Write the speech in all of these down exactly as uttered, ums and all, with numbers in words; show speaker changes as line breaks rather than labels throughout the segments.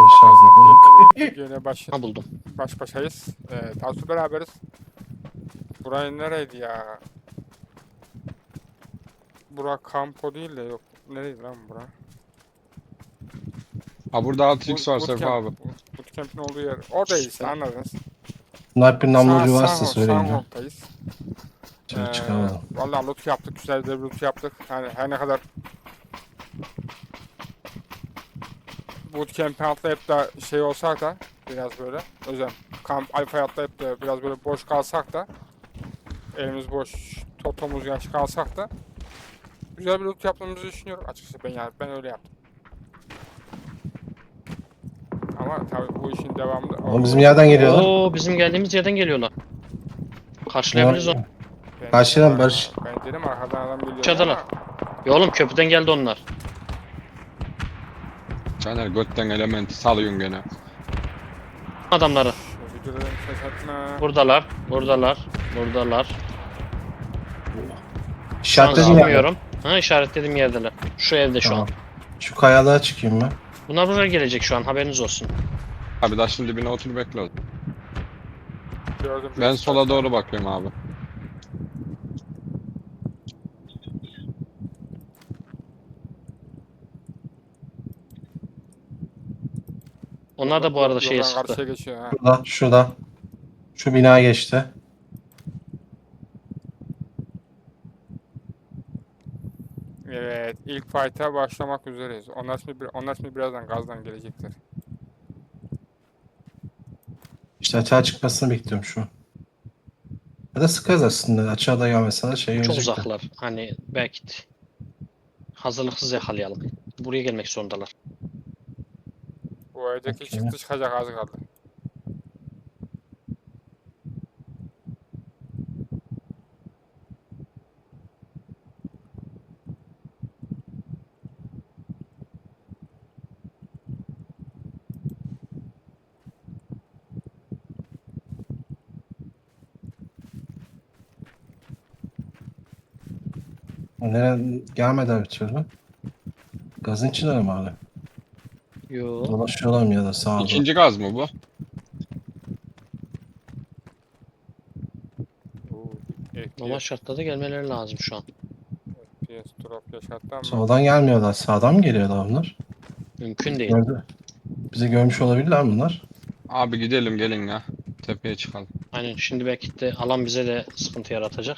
şarjla bulduk.
Yine baş,
Ha buldum.
baş başayız. Ee, Tansu beraberiz. Burayı nereydi ya? Bura kampo değil de yok. Nereydi lan bura?
Ha burada altı x var
Boot
Sefa
camp-
abi.
Bootcamp'in olduğu yer. Oradayız işte anladınız.
Sniper namlucu
Sağ-
varsa
Sağ-
söyleyin. ya.
Sağholt'tayız.
Şimdi
Ee,
çıkamadım.
Vallahi loot yaptık. Güzel de bir loot yaptık. Yani her ne kadar bootcamp'e atlayıp da şey olsak da biraz böyle özel kamp alfa'ya atlayıp da biraz böyle boş kalsak da elimiz boş, totomuz yaş kalsak da güzel bir loot yaptığımızı düşünüyorum açıkçası ben yani ben öyle yaptım. Ama tabii bu işin devamında
Ama bizim yerden geliyorlar.
Oo bizim geldiğimiz yerden geliyorlar. Karşılayabiliriz onu.
Ben
Karşıdan
dedim,
Barış.
Ben dedim arkadan adam geliyor.
Çadılar.
ama
Ya oğlum köprüden geldi onlar.
Caner götten elementi salıyorsun gene.
Adamları.
şu videodan ses etme.
Buradalar. Buradalar. Buradalar. Şu an
İşaretledim ya.
sıkmıyorum. Ha işaretlediğim yerdeler. Şu evde şu
Tamam.
an.
Şu kayalığa çıkayım ben.
Bunlar buraya gelecek şu an haberiniz olsun.
Abi taşın dibine otur bekle. o.
Gördüm.
Ben sola doğru bakıyorum abi.
Onlar da bu arada şeye
Yoldan
sıktı.
karşıya geçiyor ha.
Şurada, şurada. Şu bina geçti.
Evet, ilk fight'a başlamak üzereyiz. Onlar şimdi, bir- onlar şimdi birazdan gazdan gelecekler.
İşte açığa çıkmasını bekliyorum şu an. Ya da sıkarız aslında. Açığa da gelmese şey
Çok
görecekler.
uzaklar. Hani belki de hazırlıksız yakalayalım. Buraya gelmek zorundalar.
Bu evdeki
Okey.
çıktı çıkacak az kaldı.
Nereye gelmeden bir türlü. Gazın içinde mi hala?
Yo.
Dolaşıyorlar mı ya da sağda?
İkinci gaz mı bu?
Oo, F P
Normal
S,
şartlarda gelmeleri lazım şu an.
F P S drop yaşattı ama
Soldan gelmiyorlar. Sağdan mı geliyorlar bunlar?
Mümkün değil.
Gördü. Bizi görmüş olabilirler bunlar.
Abi gidelim gelin ya. Tepeye çıkalım.
Aynen şimdi belki de alan bize de sıkıntı yaratacak.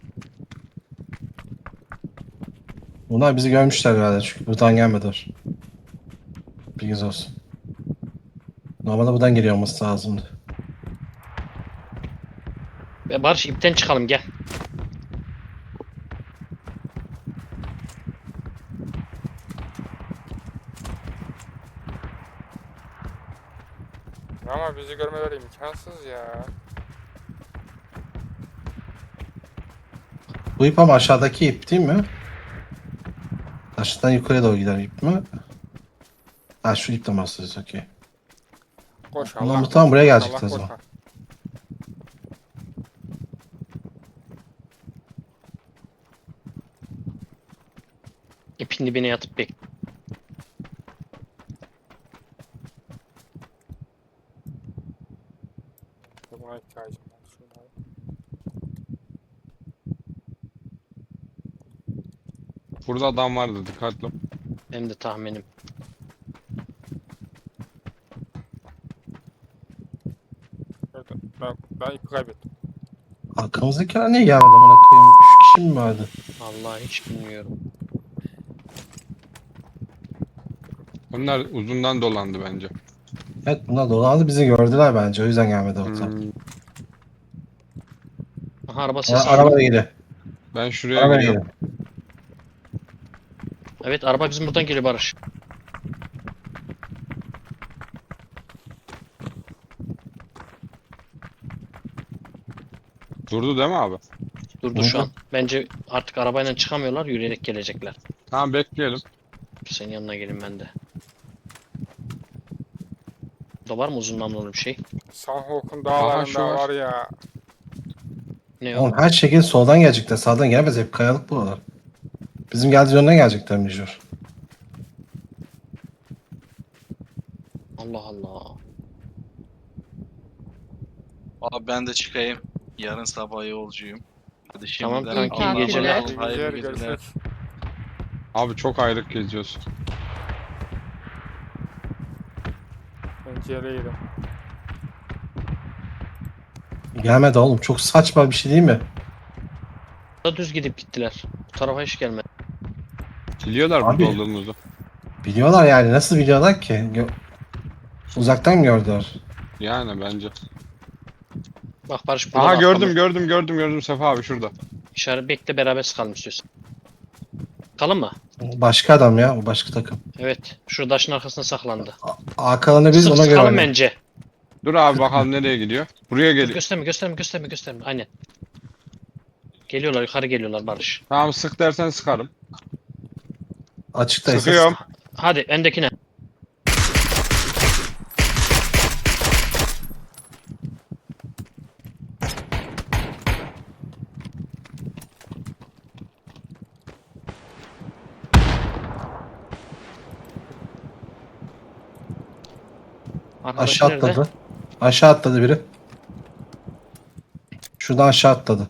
Bunlar bizi görmüşler herhalde çünkü buradan gelmediler. Bilginiz olsun. Normalde buradan geliyor olması lazımdı.
Ve Barış ipten çıkalım gel.
ama bizi görmeleri imkansız ya.
Bu ip ama aşağıdaki ip değil mi? Aşağıdan yukarıya doğru giden ip mi? Ha şu ip de bahsediyoruz okey.
Koş
Ulan
Allah.
bu tam
koş,
buraya
Allah
gelecekti o zaman.
koşma.
İpin dibine yatıp bek.
Buna ihtiyacım var. Şunu al.
Burada adam vardı dikkatli ol.
Benim de tahminim.
Gördüm. Ben, ben ipi kaybettim.
Arkamızdakiler niye gelmedi amına koyayım? Üç kişi mi vardı?
Vallahi hiç bilmiyorum.
Onlar uzundan dolandı bence.
Evet bunlar dolandı bizi gördüler bence o yüzden gelmedi o tam.
Hmm,
Aha araba
Ara-
sesi.
Araba da geliyor.
Ben şuraya
Araba da
gidiyorum.
geliyor.
Evet araba bizim buradan geliyor Barış.
Durdu değil mi abi?
Durdu şu
Durdu.
an. Bence artık arabayla çıkamıyorlar yürüyerek gelecekler.
Tamam bekleyelim.
Senin yanına gelin ben de. Burada var mı uzun namlulu bir şey?
Sanhok'un
Aha, şu
dağlarında
var.
var ya.
Ne o?
Oğlum her şekilde soldan gelecekler sağdan gelemez hep kayalık buralar. Bizim geldiğimiz yönden gelecekler mecbur.
Allah Allah.
Abi ben de çıkayım. Yarın sabah yolcuyum. Hadi
Tamam
şimdiden
kanki, iyi
Allah'a
geceler.
emanet olun,
İyi
hayırlı
geceler,
geceler.
görüşürüz.
Abi çok ayrık geziyoruz.
Ben ciğere yedim.
Gelmedi oğlum. Çok saçma bir şey değil mi?
Da düz gidip gittiler. Bu tarafa hiç gelmedi.
Biliyorlar
Abi.
burada olduğumuzu.
Biliyorlar yani. Nasıl biliyorlar ki? Gö- Uzaktan mı gördüler?
Yani bence.
Bak Barış burada
Aha
da
gördüm
arkamda.
gördüm gördüm gördüm Sefa abi şurada.
İşaret bekle, beraber sıkalım istiyorsan. Kalın mı?
Başka adam ya. O başka takım.
Evet. Şu taşın arkasına saklandı.
Arkalarını biz
Sık
ona göre
sıkalım
oynayalım.
bence.
Dur abi bakalım nereye gidiyor. Buraya
Dur,
geliyor.
gösterme gösterme gösterme gösterme. Aynen. Geliyorlar, yukarı geliyorlar Barış.
Tamam sık dersen sıkarım.
Açıktaysa
Sıkıyorum.
Hadi öndekine. Arkadaki
aşağı
nerede?
atladı. Aşağı atladı biri. Şuradan aşağı atladı.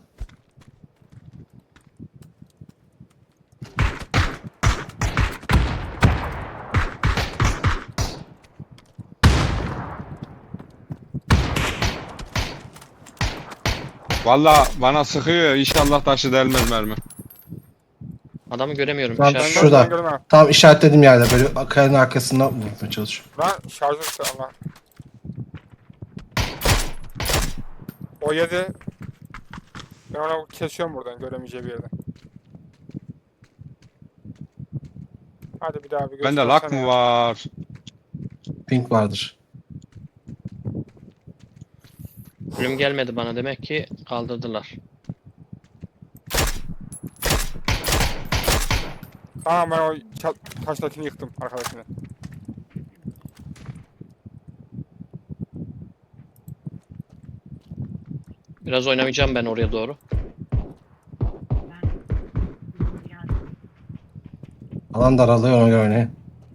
Valla bana sıkıyor inşallah taşı delmez mermi.
Adamı göremiyorum.
Lan
İşaret-
Ben
şurada.
ben görmem.
Tam işaretlediğim yerde. Böyle kayanın arkasından vurmaya çalışıyor.
Lan şarjör işte Allah. O yedi. Ben onu kesiyorum buradan göremeyeceği bir yerden. Hadi bir daha bir
Bende lak mı var?
Pink vardır.
Ölüm gelmedi bana, demek ki kaldırdılar.
Tamam ben o ça- taştakini yıktım arkadaşını.
Biraz oynamayacağım ben oraya doğru.
Alan daralıyor ona göre oynayın.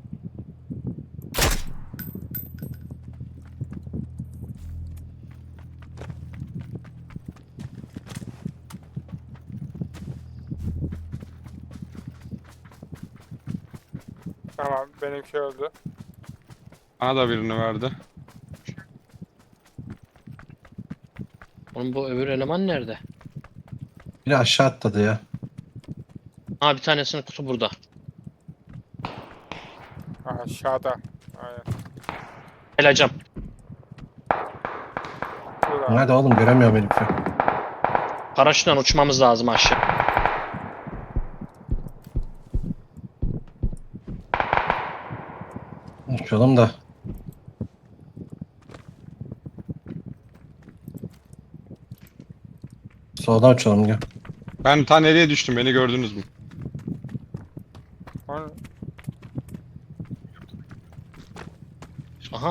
Tamam benimki öldü.
Bana da birini verdi.
Oğlum bu öbür eleman nerede?
Biri aşağı atladı ya.
Ha, bir tanesinin kutu burada.
Aha, aşağıda. Aynen.
Geleceğim.
Burada.
Nerede oğlum göremiyorum herifi.
Paraşütle uçmamız lazım aşağı.
Uçalım da. Soldan uçalım gel.
Ben ta nereye düştüm beni gördünüz mü?
Lan,
Aha.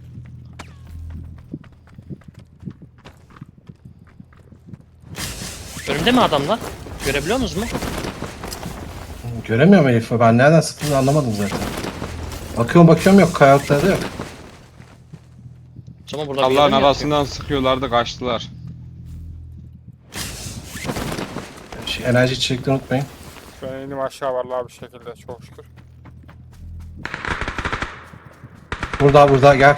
Önümde mi adamlar? Görebiliyor musunuz mu?
Göremiyorum herifi. Ben nereden sıktığını anlamadım zaten. Bakıyorum bakıyorum yok. Kayalıklarda yok.
O zaman burada bir
Allah'ın
yere mi yatıyor?
arasından sıkıyorlardı kaçtılar.
Şey, enerji içecekleri unutmayın.
ben indim aşağı vallahi bir şekilde çok şükür.
Burada burada gel.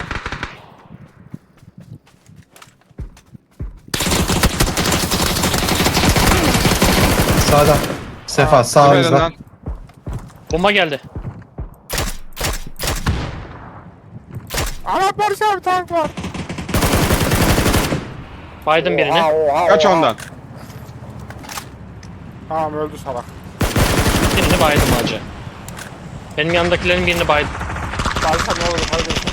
Sağda. Sefa sağımızda.
Tepeden
Bomba geldi.
Ana Barış abi tank var.
Baydım birini.
Oha, oha,
kaç
oha.
ondan.
Tamam öldü salak.
Birini baydım hacı. Benim yanımdakilerin birini baydım.
Barış abi ne olur kardeşim.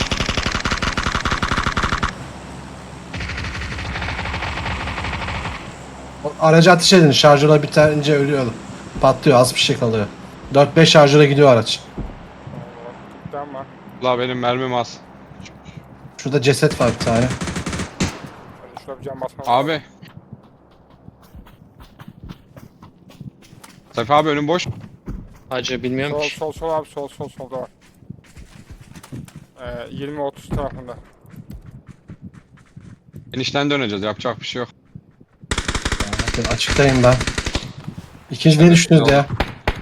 O Aracı ateş edin. Şarjöre bitince ölüyor. Patlıyor. Az bir şey kalıyor. dört beş şarjöre gidiyor araç.
Tamam.
La benim mermim az.
Şurada ceset var bir tane.
Hadi şurada bir cam basmam lazım.
Abi. Sefa abi önüm boş.
Hacı bilmiyorum
Sol
ki.
sol sol abi sol sol solda var. Ee, yirmi otuz tarafında.
Enişten döneceğiz. Yapacak bir şey yok.
Bakın açıktayım ben. İkinci ne düşündünüz ya?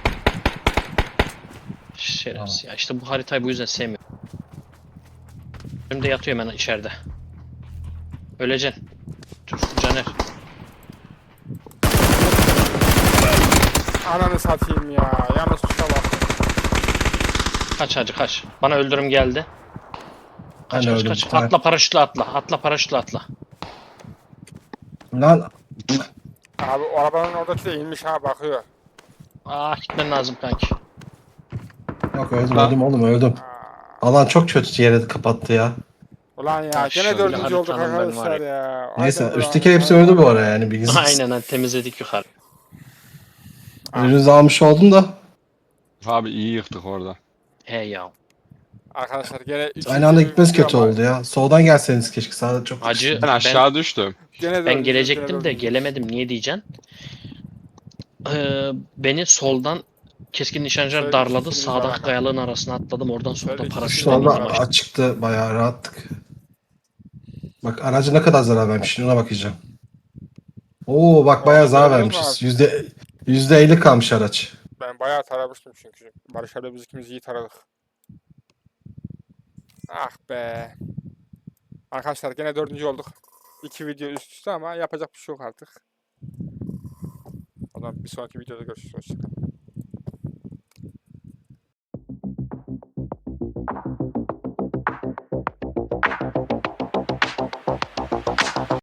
Şerefsiz ya. İşte bu haritayı bu yüzden sevmiyorum. Önümde yatıyor hemen içeride. Öleceksin. Dur Caner.
Ananı satayım ya. Yalnız tuşa bak.
Kaç hacı kaç. Bana öldürüm geldi.
Ben
Kaç
de
kaç
öldüm
kaç.
bir tane.
Atla paraşütle atla. Atla paraşütle atla.
Lan
Abi o arabanın oradaki de inmiş ha bakıyor.
Ah gitmen lazım kanki.
yok öldüm
Lan.
öldüm oğlum öldüm.
Aa,
Alan çok kötü yere kapattı ya.
ulan ya
Ya
gene
şöyle
dördüncü olduk
haritanın ben var
arkadaşlar ya.
Neyse
Haydi
üstteki
ulan,
hepsi
haydi
öldü bu
ulan.
ara yani bilginiz.
Aynen lan temizledik yukarı.
Ürünüzü almış oldum da.
Abi iyi yıktık orada.
He ya.
Arkadaşlar gene üçüncü
Aynı anda
bir
gitmesi
video
kötü
ama
oldu ya. Soldan gelseniz keşke sağda çok
Hacı
Ben
ben,
aşağı düştüm.
Gene
ben
dördüncü,
gelecektim
gene
de
dördüncü.
gelemedim. Niye diyeceksin? Ee, beni soldan keskin nişancılar
Şöyle
darladı.
ikimiz var
Sağdaki
aga.
kayalığın arasına atladım. Oradan
Şöyle
solda
ikimiz
paraşütle
var
indim
Solda
aga.
aşağı.
açıktı bayağı rahattık. Bak aracı ne kadar zarar vermiş şimdi ona bakacağım. Oo bak bayağı
Orada
zarar
görüyor musun
vermişiz.
abi?
Yüzde yüzde elli kalmış araç.
Ben bayağı taramıştım çünkü. Barış abi biz ikimiz iyi taradık. Ah be. Arkadaşlar gene dördüncü olduk. İki video üst üste ama yapacak bir şey yok artık. O zaman bir sonraki videoda görüşürüz. Hoşçakalın.